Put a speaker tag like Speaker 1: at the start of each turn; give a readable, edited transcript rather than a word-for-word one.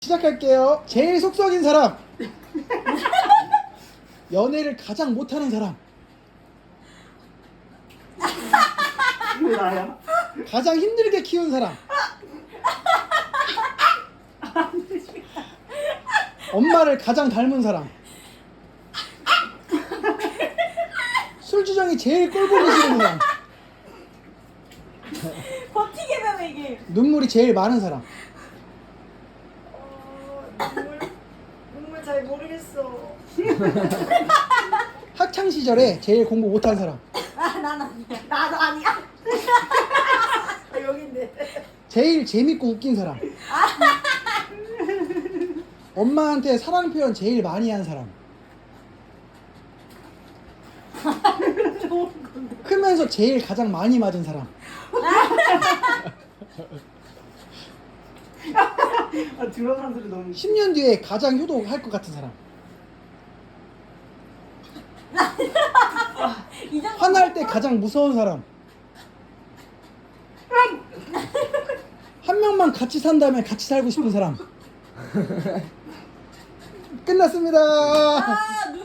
Speaker 1: 시작할게요. 제일 속썩인 사람. 연애를 가장 못하는 사람.
Speaker 2: 왜 나야?
Speaker 1: 가장 힘들게 키운 사람. 엄마를 가장 닮은 사람. 술주정이 제일 꼴보기 싫은 사람.
Speaker 3: 버티게 되네 이게.
Speaker 1: 눈물이 제일 많은 사람.
Speaker 3: 눈물 잘 모르겠어.
Speaker 1: 학창 시절에 제일 공부 못한 사람.
Speaker 3: 난 아니야. 나도 아니야. 여긴데.
Speaker 1: 제일 재밌고 웃긴 사람. 엄마한테 사랑 표현 제일 많이 한 사람. 크면서 제일 가장 많이 맞은 사람.
Speaker 2: 들어가는 소리 너무.
Speaker 1: 10년 뒤에 가장 효도할 것 같은 사람. 화날 때 가장 무서운 사람. 한 명만 같이 산다면 같이 살고 싶은 사람. 끝났습니다.